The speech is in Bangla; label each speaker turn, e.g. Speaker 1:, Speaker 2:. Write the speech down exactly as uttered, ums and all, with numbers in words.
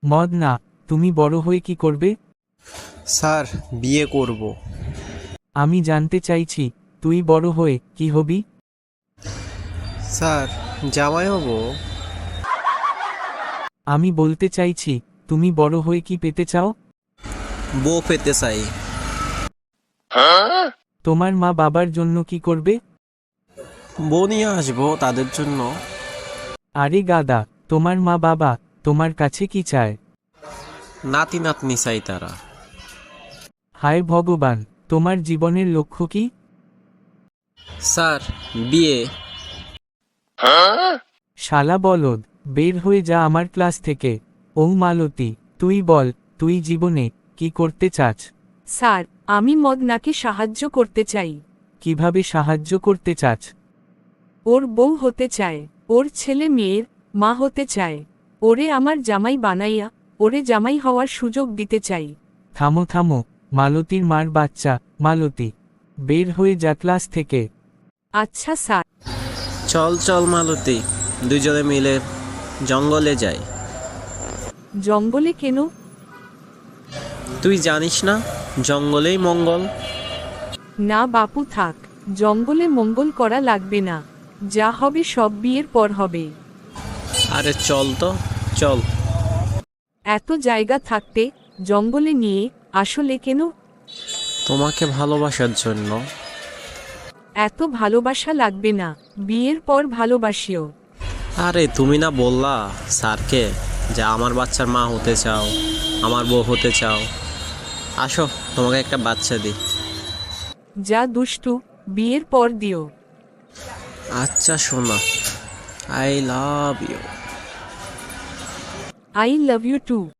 Speaker 1: মদ না, তুমি বড় হয়ে কি করবে?
Speaker 2: স্যার, বিয়ে করব।
Speaker 1: আমি জানতে চাইছি, তুই বড় হয়ে কি হবি?
Speaker 2: স্যার, জামাই হব।
Speaker 1: আমি বলতে চাইছি, তুমি বড় হয়ে কি পেতে চাও?
Speaker 2: বউ পেতে চাই।
Speaker 1: তোমার মা বাবার জন্য কি করবে?
Speaker 2: বউ নিয়ে আসবো তাদের জন্য।
Speaker 1: আরে গাদা, তোমার মা বাবা তোমার কাছে কি চায়?
Speaker 2: নাতি নাতনি চাই তারা।
Speaker 1: হায় ভগবান, তোমার জীবনের লক্ষ্য কি?
Speaker 2: স্যার, বিয়ে।
Speaker 1: শালা বলদ, বের হয়ে যা আমার ক্লাস থেকে। ও মালতী, তুই বল, তুই জীবনে কি করতে চাস?
Speaker 3: স্যার, আমি মদনাকে সাহায্য করতে চাই।
Speaker 1: কিভাবে সাহায্য করতে চাস?
Speaker 3: ওর বউ হতে চায়, ওর ছেলে মেয়ের মা হতে চায়। ওরে আমার জামাই বানাইয়া ওরে জামাই হওয়ার সুযোগ দিতে চাই।
Speaker 1: থামো থামো, মালতীর মার বাচ্চা, মালতী, বের হয়ে যা ক্লাস থেকে।
Speaker 3: আচ্ছা স্যার।
Speaker 2: চল চল মালতী, দুজনে মিলে জঙ্গলে যাই।
Speaker 3: জঙ্গলে কেন?
Speaker 2: তুই জানিস না, জঙ্গলেই মঙ্গল।
Speaker 3: না বাপু থাক, জঙ্গলে মঙ্গল করা লাগবে না। যা হবে সব বিয়ের পর হবে।
Speaker 2: আরে চল তো, চল।
Speaker 3: এত জায়গা থাকতে জঙ্গলে নিয়ে আসলে কেন?
Speaker 2: তোমাকে ভালোবাসার জন্য।
Speaker 3: এত ভালোবাসা লাগবে না, বিয়ের পর ভালোবাসিও।
Speaker 2: আরে তুমি না বললা স্যারকে যে আমার বাচ্চার মা হতে চাও, আমার বউ হতে চাও? আসো, তোমাকে একটা বাচ্চা দিই।
Speaker 3: যা দুষ্টু, বিয়ের পর দিও।
Speaker 2: আচ্ছা শোনা, I love you.
Speaker 3: I love you two.